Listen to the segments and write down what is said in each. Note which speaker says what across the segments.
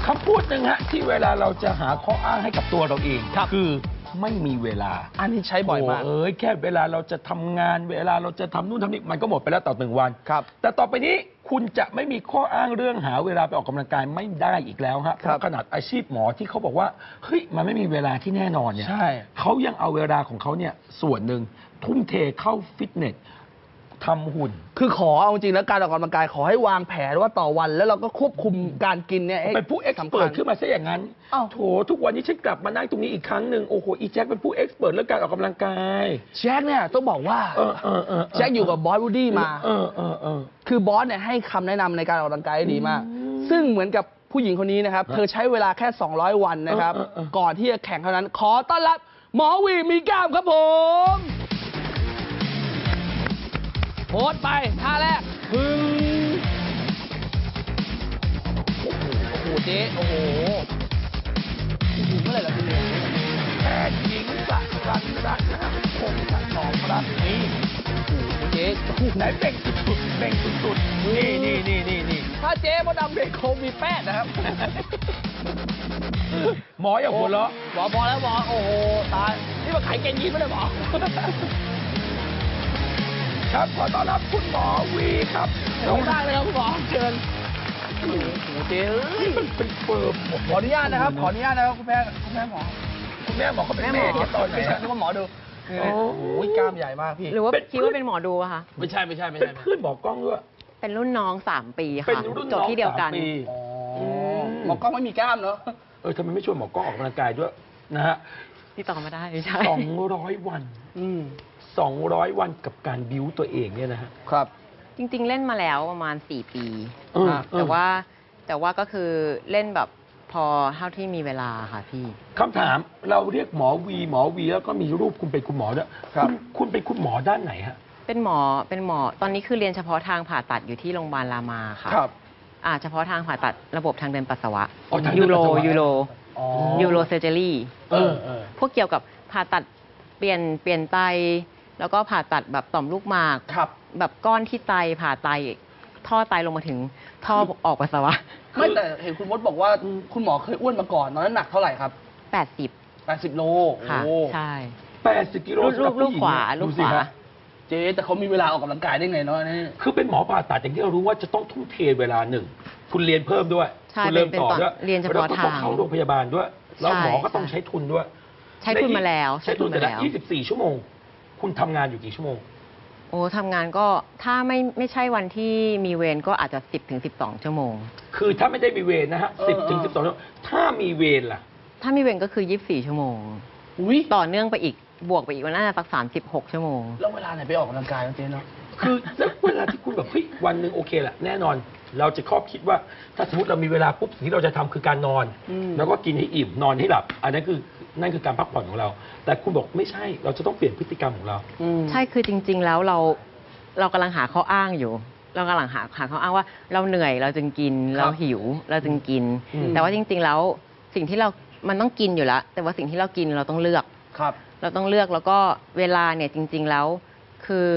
Speaker 1: ำพูดหนึ่งฮะที่เวลาเราจะหาข้ออ้างให้กับตัวเราเองคือไม่มีเวลา
Speaker 2: อันนี้ใช้บ่อยมาก
Speaker 1: แค่เวลาเราจะทำงานเวลาเราจะทำนู่นทำนี่มันก็หมดไปแล้วต่อ1 วัน
Speaker 2: ครับ
Speaker 1: แต่ต่อไปนี้คุณจะไม่มีข้ออ้างเรื่องหาเวลาไปออกกำลังกายไม่ได้อีกแล้วฮะเพราะขนาดอาชีพหมอที่เขาบอกว่าเฮ้ยมันไม่มีเวลาที่แน่นอนเนี่ยเขายังเอาเวลาของเขาเนี่ยส่วนหนึ่งทุ่มเทเข้าฟิตเนสทำหุ่น
Speaker 2: คือขอเอาจริงแล้วการออกกำลังกายขอให้วางแผนว่าต่อวันแล้วเราก็ควบคุมการกินเนี่ย
Speaker 1: เป็นผู้เอ็กซ์เพิร์ขึ้นมาซะอย่างนั้นโถทุกวันนี้ฉันกลับมานั่งตรงนี้อีกครั้งหนึ่งโอ้โหอีแจ็คเป็นผู้เอ็กซ์เพิร์เรื่องการออกกำลังกาย
Speaker 2: แจ็คเนี่ยต้องบอกว่าแจ็คอยู่กับบอสวูดดี้มาคือบอสเนี่ยให้คำแนะนำในการออกกำลังกายดีมากซึ่งเหมือนกับผู้หญิงคนนี้นะครับเธอใช้เวลาแค่200 วันนะครับก่อนที่จะแข่งเท่านั้นขอต้อนรับหมอวีมีกล้ามครับผมโพสไปท่าแรกพึ่งโอ้โหเจ๊โอ้โหเมื่อไหร่เราจะเรียน
Speaker 1: แพทย์หญิงสักรันรัตน์คงถนอมรัตน์นี่
Speaker 2: เจ๊
Speaker 1: ไหนเบ่งสุดๆเบ่งสุดๆนี่
Speaker 2: ถ้าเจ๊มดดำเบ่งคงมีแป้งนะครับ
Speaker 1: หมออย่าหัวเราะ
Speaker 2: หมอพอแล้วหมอโอ้โหตายนี่มาขายเกงยีนไม่ได้หมอ
Speaker 1: ครับขอต้อนรับคุณหมอวีครับ
Speaker 2: น้องได้เลยครับคุณหมอเชิญโอ้โหเจ๊
Speaker 1: เป็นเฟิร์ม
Speaker 2: ขออนุญาตนะครับขออนุญาตนะครับคุณแม่หมอ
Speaker 1: คุณแม่หมอเขาเป็นแม่ตอน
Speaker 2: ไม่ใช่นึกว่าหมอดูโอ้โหกล้ามใหญ่มากพี่
Speaker 3: หรือว่าคิดว่าเป็นหมอดูอะคะ
Speaker 2: ไม่ใช่
Speaker 1: เป็นเพื่อนหมอกล้องด้วย
Speaker 3: เป็นรุ่นน้อง3 ปีค่ะจบที่เดียวกัน
Speaker 2: หมอกล้องไม่มีกล้ามเนาะ
Speaker 1: ทำไมไม่ชวนหมอกล้องออกกำลังกายด้วยนะฮะ
Speaker 3: ที่ต่อมาได้ใช่
Speaker 1: 200 วัน200 วันกับการบิ้วตัวเองเนี่ยนะฮะ
Speaker 2: ครับ
Speaker 3: จริงๆเล่นมาแล้วประมาณ4 ปีแต่ว่าก็คือเล่นแบบพอเท่าที่มีเวลาค่ะพี่
Speaker 1: คำถามเราเรียกหมอวีแล้วก็มีรูปคุณเป็นคุณหมอด้วยคุณเป็นคุณหมอด้านไหนฮะ
Speaker 3: เป็นหมอตอนนี้คือเรียนเฉพาะทางผ่าตัดอยู่ที่โรงพยาบาลรามาค่ะ
Speaker 2: ครับ
Speaker 3: เฉพาะทางผ่าตัดระบบทางเดินปัสสาวะยูโรเซอร์เจอรี่พวกเกี่ยวกับผ่าตัดเปลี่ยนไตแล้วก็ผ่าตัดแบบต่อมลูกหมากแบบก้อนที่ไตผ่าไตท่อไตลงมาถึงท่อออกปัสสาวะ
Speaker 2: ไม่แต่เห็นคุณมดบอกว่าคุณหมอเคยอ้วนมาก่อนตอนนั้นหนักเท่าไหร่ครับ80โล
Speaker 3: ค่ะใช่
Speaker 1: 80 กิโล
Speaker 3: ลูกขวา
Speaker 2: เจ๊แต่เขามีเวลาออกกำลังกายได้ไงเนาะนี่
Speaker 1: คือเป็นหมอผ่าตัดอย่างที่เรารู้ว่าจะต้องทุ่มเทเวลาหนึ่งคุณเรียนเพิ่มด้วยคุณเริ่มต่อด้วย
Speaker 3: เรียนเฉพาะทาง
Speaker 1: เข้าโรงพยาบาลด้วยแล้วหมอก็ต้องใช้ทุนด้วย
Speaker 3: ใช้ทุนมาแล้ว
Speaker 1: ใช้ทุนแต่ละ24 ชั่วโมงคุณทำงานอยู่กี่ชั่วโมง
Speaker 3: โอ้ทำงานก็ถ้าไม่ใช่วันที่มีเวรก็อาจจะ10-12 ชั่วโมง
Speaker 1: คือถ้าไม่ได้มีเวรนะฮะ10-12 ชั่วโมงถ้ามีเวรล่ะ
Speaker 3: ถ้ามีเวรก็คือ24 ชั่วโมงต่อเนื่องไปอีกบวกไปอีกวันน่าจะสัก36 ชั่วโมง
Speaker 2: แล้วเวลาไหนไปออกกำลังกายเจ๊เนาะ
Speaker 1: คือเวลาที่คุณแบบเฮ้ยวันหนึ่งโอเคแหละแน่นอนเราจะครอบคิดว่าถ้าสมมติเรามีเวลาปุ๊บสิ่งที่เราจะทำคือการนอนแล้วก็กินให้อิ่มนอนให้หลับอันนั้นคือการพักผ่อนของเราแต่คุณบอกไม่ใช่เราจะต้องเปลี่ยนพฤติกรรมของเรา
Speaker 3: ใช่คือจริงๆแล้วเรากำลังหาข้ออ้างอยู่เรากำลังหาข้ออ้างว่าเราเหนื่อยเราจึงกินเราหิวเราจึงกินแต่ว่าจริงๆแล้วสิ่งที่มันต้องกินอยู่แล้วแต่ว่าสิ่งที่เรากินเราต้องเลือกเราต้องเลือกแล้วก็เวลาเนี่ยจริงๆแล้วคือ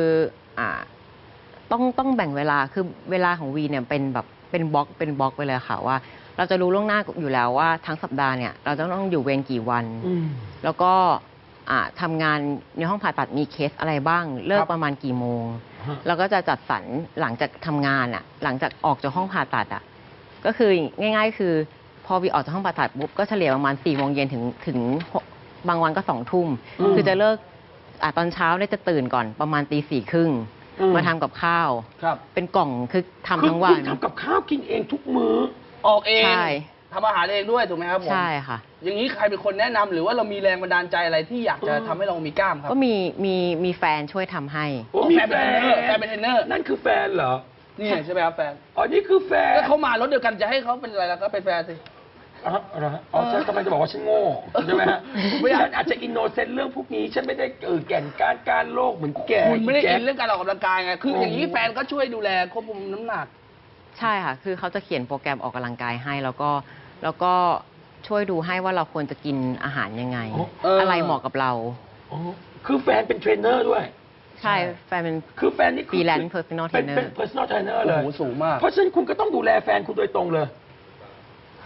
Speaker 3: ต้องแบ่งเวลาคือเวลาของวีเนี่ยเป็นแบบเป็นบล็อกไปเลยค่ะว่าเราจะรู้ล่วงหน้าอยู่แล้วว่าทั้งสัปดาห์เนี่ยเราจะต้องอยู่เวรกี่วันแล้วก็ทำงานในห้องผ่าตัดมีเคสอะไรบ้างเลิกประมาณกี่โมงเราก็จะจัดสรรหลังจากทำงานหลังจากออกจากห้องผ่าตัดก็คือง่ายๆคือพอวีออกจากห้องผ่าตัดปุ๊บก็เฉลี่ยประมาณ4 โมงเย็นถึงบางวันก็2 ทุ่มคือจะเลิกตอนเช้าเนี่ยจะตื่นก่อนประมาณ4:30มาทำกับข้าวเป็นกล่องคือทำทั้งวัน
Speaker 1: ทำกับข้าวกินเองทุกมื้อ
Speaker 2: ออกเองทำอาหารเองด้วยถูกไหมครับผม
Speaker 3: ใช่ค่ะ
Speaker 2: อย่างนี้ใครเป็นคนแนะนำหรือว่าเรามีแรงบันดาลใจอะไรที่อยากจะทำให้เรามีกล้ามครับ
Speaker 3: ก็มีแฟนช่วยทำให้
Speaker 2: มีแฟนเป็นเทรนเนอร์
Speaker 1: นั่นคือแฟนเหรอ
Speaker 2: นี่ใช่ไหมครับแฟน
Speaker 1: นี่คือแฟน
Speaker 2: แล้วเขามารถเดียวกันจะให้เขาเป็นอะไรล่ะก็เป็นแฟนสิ
Speaker 1: ฉันกำลังจะบอกว่าฉันโง่ใช่ไหมฮะฉันอาจจะอินโนเซนต์เรื่องพวกนี้ฉันไม่ได้แก่นการโลกเหมือนแก
Speaker 2: คุณไม่ได้อินเรื่องการออกกำลังกายไงคืออย่างนี้แฟนก็ช่วยดูแลควบคุมน้ำหนัก
Speaker 3: ใช่ค่ะคือเขาจะเขียนโปรแกรมออกกำลังกายให้แล้วก็ช่วยดูให้ว่าเราควรจะกินอาหารยังไงอะไรเหมาะกับเรา
Speaker 1: คือแฟนเป็นเทรนเนอร์ด้วย
Speaker 3: ใช่แฟนเป็น
Speaker 1: คือแฟนนี่
Speaker 3: ฟรีแลนซ์เพอร์ซันอลเทรนเนอร์
Speaker 1: เป็น personal trainer เลย
Speaker 2: สูงมาก
Speaker 1: เพราะฉะนั้นคุณก็ต้องดูแลแฟนคุณโดยตรงเลย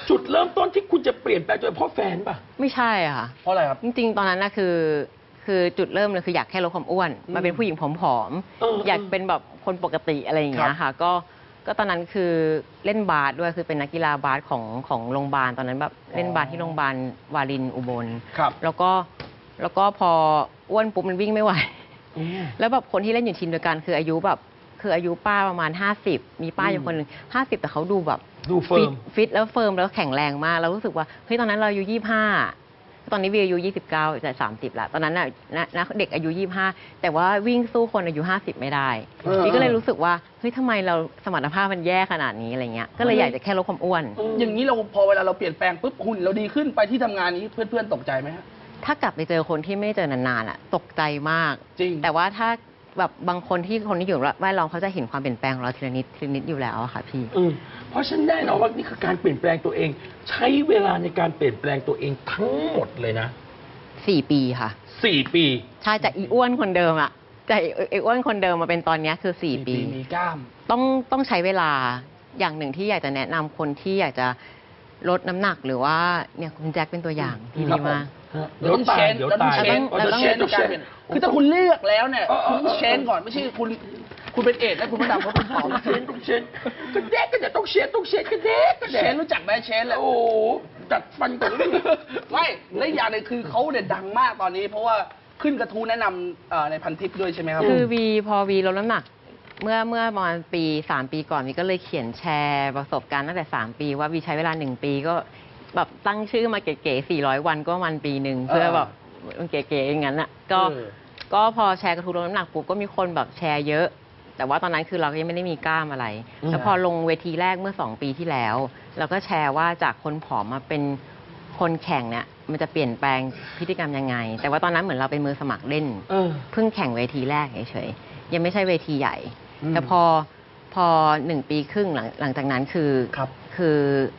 Speaker 1: จุดเริ่มต้นที่คุณจะเปลี่ยนแปลงตัวเองเพราะแฟนป่ะ
Speaker 3: ไม่ใช่อะค่ะ
Speaker 2: เพราะอะไรครับ
Speaker 3: จริงๆ ตอนนั้นนะคือจุดเริ่มเลยคืออยากแค่ลดความอ้วนมาเป็นผู้หญิงผอมๆอยากเป็นแบบคนปกติอะไรอย่างเงี้ยค่ะก็ตอนนั้นคือเล่นบาสด้วยคือเป็นนักกีฬาบาสของโรงพยาบาลตอนนั้นแบบเล่นบาสที่โรงพยาบาลวารินอุบล
Speaker 2: ครับ
Speaker 3: แล้วก็พออ้วนปุ๊บมันวิ่งไม่ไหวแล้วแบบคนที่เล่นอยู่ทีมเดียวกันคืออายุป้าประมาณ50มีป้าอยู่คนหนึ่ง50แต่เขาดูแบบ
Speaker 1: ดูเฟิร์ม
Speaker 3: ฟิตแล้วเฟิร์มแล้วแข็งแรงมากแล้วรู้สึกว่าเฮ้ยตอนนั้นเราอายุ25ตอนนี้วีอายุ29จะ30แล้วตอนนั้นน่ะนะเด็กอายุ25แต่ว่าวิ่งสู้คนอายุ50ไม่ได้วีก็เลยรู้สึกว่าเฮ้ยทำไมเราสมรรถภาพมันแย่ขนาดนี้อะไรเงี้ยก็เลยอยากจะแค่ลดความอ้วน
Speaker 2: อย่างนี้เราพอเวลาเราเปลี่ยนแปลงปุ๊บหุ่นเราดีขึ้นไปที่ทำงานนี้เพื่อนๆตกใจไหมฮะ
Speaker 3: ถ้ากลับไปเจอคนที่ไม่เจอนานๆอ่ะตกใจมาก
Speaker 2: จริง
Speaker 3: แต่ว่าถ้าแบบบางคนที่อยู่แวดล้อมเขาจะเห็นความเปลี่ยนแปลงของเราทีละนิดอยู่แล้วอะค่ะพี่
Speaker 1: เพราะฉันแน่นอนว่านี่คือการเปลี่ยนแปลงตัวเอง ใช้เวลาในการเปลี่ยนแปลงตัวเองทั้งหมดเลยนะ
Speaker 3: 4 ปีค่ะ
Speaker 1: 4 ปี
Speaker 3: ใช่จากอีอ้วนคนเดิมอะจากอีอ้วนคนเดิมมาเป็นตอนเนี้ยคือ4 ปี
Speaker 2: มีกล้าม
Speaker 3: ต้องใช้เวลาอย่างหนึ่งที่อยากจะแนะนำคนที่อยากจะลดน้ำหนักหรือว่าเนี่ยคุณแจ็คเป็นตัวอย่างที่ดีมาก
Speaker 1: เดี๋ยวตายเดี๋ยวตาย
Speaker 3: เราต้อง
Speaker 2: เชนการเปลี่ยนคือถ้าคุณเลือกแล้วเนี่ยคุณต้องเชนก่อนไม่ใช่คุณเป็นเอดส์แล้วคุณมาดำเขาเป็นผอม
Speaker 1: ต้องเชนก็เด็กก็จะต้องเชนก็เด็กก็
Speaker 2: เช
Speaker 1: เด็ก
Speaker 2: นรู้จักไหมเชนแหละ
Speaker 1: โอ้ดัดฟันก่อนเลย
Speaker 2: ไม่และอีกอย่างหนึงคือเขาเนี่ยดังมากตอนนี้ เพราะว่าขึ้นกระทู้แนะนำในพันทิปด้วยใช่ไหมครับ
Speaker 3: คือพอวีลดน้ำหนักเมื่อประมาณ3 ปีก่อนวีก็เลยเขียนแชร์ประสบการณ์ตั้งแต่3 ปีว่าวีใช้เวลา1 ปีก็แบบตั้งชื่อมาเก๋ๆ400 วันก็มันปีหนึ่งเพื่อแบบมันเก๋ๆอย่างนั้นอ่ะก็พอแชร์กระทู้ลดน้ำหนักปุ๊บก็มีคนแบบแชร์เยอะ แต่ว่าตอนนั้นคือเราก็ยังไม่ได้มีกล้ามอะไร แล้วพอลงเวทีแรกเมื่อ2 ปีที่แล้วเราก็แชร์ว่าจากคนผอมมาเป็นคนแข่งเนี่ยมันจะเปลี่ยนแปลงพฤติกรรมยังไง แต่ว่าตอนนั้นเหมือนเราเป็นมือสมัครเล่นเพิ่งแข่งเวทีแรกเฉยๆยังไม่ใช่เวทีใหญ่ แต่พอ1 ปีครึ่งหลังจากนั้นคือ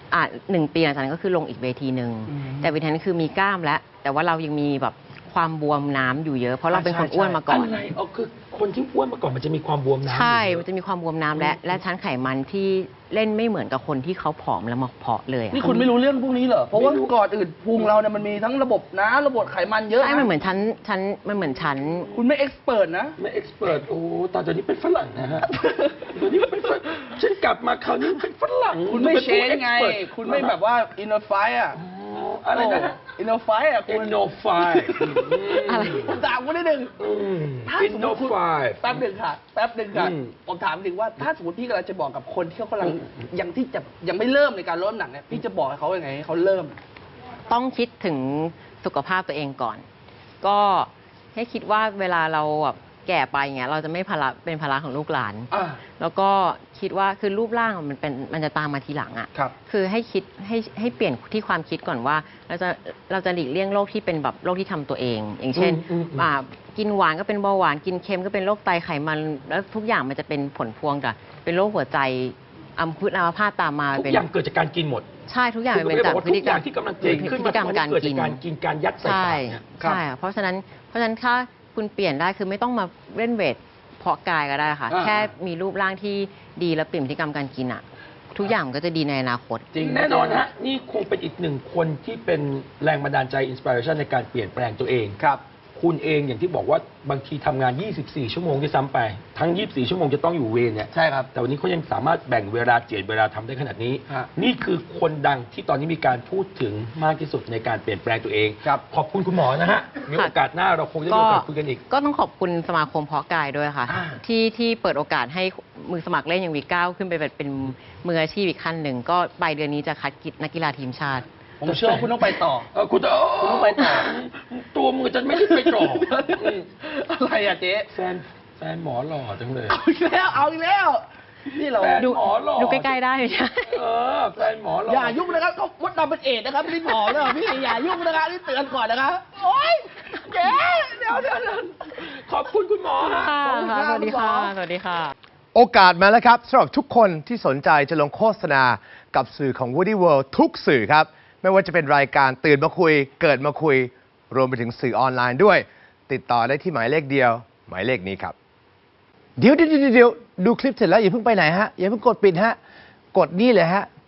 Speaker 3: 1 ปีหลังจากนั้นก็คือลงอีกเวทีหนึ่งแต่เวทีนั้นคือมีกล้ามแล้วแต่ว่าเรายังมีแบบความบวมน้ำอยู่เยอะเพราะเราเป็นคนอ้วนมาก่อน
Speaker 1: อะไรคือคนที่อ้วนมาก่อนมันจะมีความบวมน้ำ
Speaker 3: ใช่ มันจะมีความบวมน้ำและชั้นไขมันที่เล่นไม่เหมือนกับคนที่เขาผอมแล้วมาเพาะเลยอะ
Speaker 2: นี่คุณไม่รู้เรื่องพวกนี้เหรอเพราะว่าก่อนอื่นพุงเราเนี่ยมันมีทั้งระบบน้ำระบบไขมันเยอะ
Speaker 3: ใช่มันเหมือนชั้น
Speaker 2: คุณไม่เอ็กซ์เพิร์นะ
Speaker 1: ไม่เอ็กซ์เพรสโอ้ตอนนี้เป็นฝรั่งนะฮะตอนนี้เป็นฝรั่งฉันกลับมาคราวนี้เป็นฝรั่ง
Speaker 2: คุณไม่เชนไง คุณไม่แบบว่าอินโนไฟอ่ะ
Speaker 1: อะไรนะ
Speaker 2: อินโนไฟอ่ะ
Speaker 1: อิ
Speaker 2: คุณ
Speaker 1: นโนไฟ
Speaker 3: อะไร
Speaker 2: ผมถามคุณนิดนึง
Speaker 1: อินโนไฟ
Speaker 2: แป๊บหนึ่งค่ะผมถามถึงว่าถ้าสมมติพี่กำลังจะบอกกับคนที่เขากำลังยังไม่เริ่มในการลดน้ำหนักเนี่ยพี่จะบอกให้เขายังไงให้เขาเริ่ม
Speaker 3: ต้องคิดถึงสุขภาพตัวเองก่อน ก็ให้คิดว่าเวลาเราแบบแก่ไปอย่างเงี้ยเราจะไม่เป็นภาระของลูกหลาน แล้วก็คิดว่าคือรูปร่างมันจะตามมาทีหลังอ่ะ
Speaker 2: ครับ
Speaker 3: คือให้คิดให้เปลี่ยนที่ความคิดก่อนว่าเราจะหลีกเลี่ยงโรคที่เป็นแบบโรคที่ทำตัวเอง อย่างเช่นกินหวานก็เป็นเบาหวานกินเค็มก็เป็นโรคไตไขมันแล้วทุกอย่างมันจะเป็นผลพวงจากเป็นโรคหัวใจอัมพาตตามมา
Speaker 1: ทุก
Speaker 3: เป็น
Speaker 1: อย่างเกิดจากการกินหมด
Speaker 3: ใช่ทุกอย่างเป็นจากพฤติกรรม
Speaker 1: ที่กำลังเกิดขึ้น
Speaker 3: พฤติกรรมการ
Speaker 1: เกิด
Speaker 3: กิ
Speaker 1: จาน กการกินการยัดใส่ปากเนี่ย
Speaker 3: ใช่เพราะฉะนั้นถ้าคุณเปลี่ยนได้คือไม่ต้องมาเล่นเวทเพาะกายก็ได้ค่ะ แค่มีรูปร่างที่ดีและเปลี่ยนพฤติกรรมการกินอ่ะ ทุกอย่างมันก็จะดีในอนาคต
Speaker 1: จริงแน่นอนฮะนี่คงเป็นอีกหนึ่งคนที่เป็นแรงบันดาลใจอินสปิเรชันในการเปลี่ยนแปลงตัวเอง
Speaker 2: ครับ
Speaker 1: คุณเองอย่างที่บอกว่าบางทีทำงาน 24 ชั่วโมงด้วยซ้ำไป ทั้ง 24 ชั่วโมงจะต้องอยู่เวรเนี่ย
Speaker 2: ใช่ครับ
Speaker 1: แต่วันนี้เขายังสามารถแบ่งเวลาเจียดเวลาทำได้ขนาดนี้
Speaker 2: ฮะ
Speaker 1: นี่คือคนดังที่ตอนนี้มีการพูดถึงมากที่สุดในการเปลี่ยนแปลงตัวเอง
Speaker 2: ครับ
Speaker 1: ขอบคุณคุณหมอนะฮะมีโอกาสหน้าเราคงจะมีโอกาสคุยกันอีก
Speaker 3: ก็ต้องขอบคุณสมาคมเพาะกายด้วยค่ะ ที่เปิดโอกาสให้มือสมัครเล่นอย่างวีก้าวขึ้นไปเป็นมืออาชีพอีกขั้นหนึ่งก็ปลายเดือนนี้จะคัดนักกีฬาทีมชาติ
Speaker 2: ผมเชื่อว่าคุณต้องไปต่อ
Speaker 1: คุณ
Speaker 2: ต้องไปต่อ
Speaker 1: ตัวมือจะไม่ได้ไปต่อ
Speaker 2: อะไรอ่ะเจ๊
Speaker 1: แฟนหมอหล่อจังเลย
Speaker 2: เอาอีกแล้วนี่เรา
Speaker 1: แฟนหมอหล่อ
Speaker 3: ดูใกล้ๆได้ไหมใช่
Speaker 1: แฟนหมอหล่อ
Speaker 2: อย่ายุ่งนะครับเขามดดำเป็นเอดส์นะครับพี่หมอเลยพี่อย่ายุ่งนะครับนี่เตือนก่อนนะครับโอ๊ยเจ๊เดี๋ยว
Speaker 1: ขอบคุณคุณหมอฮะ
Speaker 3: ค่ะ
Speaker 2: ขอบคุณครับ
Speaker 3: สวัสดีค่ะ
Speaker 2: คุณหมอ
Speaker 3: สวัสดีค่ะ
Speaker 4: โอกาสมาแล้วครับสำหรับทุกคนที่สนใจจะลงโฆษณากับสื่อของ Woody World ทุกสื่อครับ ไม่ว่าจะเป็นรายการตื่นมาคุย เกิดมาคุย รวมไปถึงสื่อออนไลน์ด้วย ติดต่อได้ที่หมายเลขเดียว หมายเลขนี้ครับ เดี๋ยวดูคลิปเสร็จแล้วอย่าเพิ่งไปไหนฮะ อย่าเพิ่งกดปิดฮะ กดนี่เลยฮะ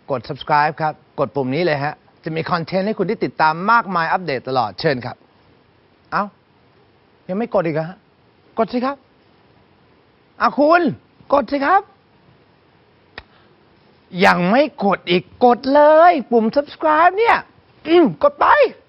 Speaker 4: กด subscribe ครับ กดปุ่มนี้เลยฮะ จะมีคอนเทนต์ให้คุณได้ติดตามมากมายอัปเดตตลอดเชิญครับ เอ้า ยังไม่กดอีกเหรอฮะ กดสิครับคุณ กดสิครับ ยังไม่กดอีกกดเลย ปุ่ม subscribe เนี่ย กดไป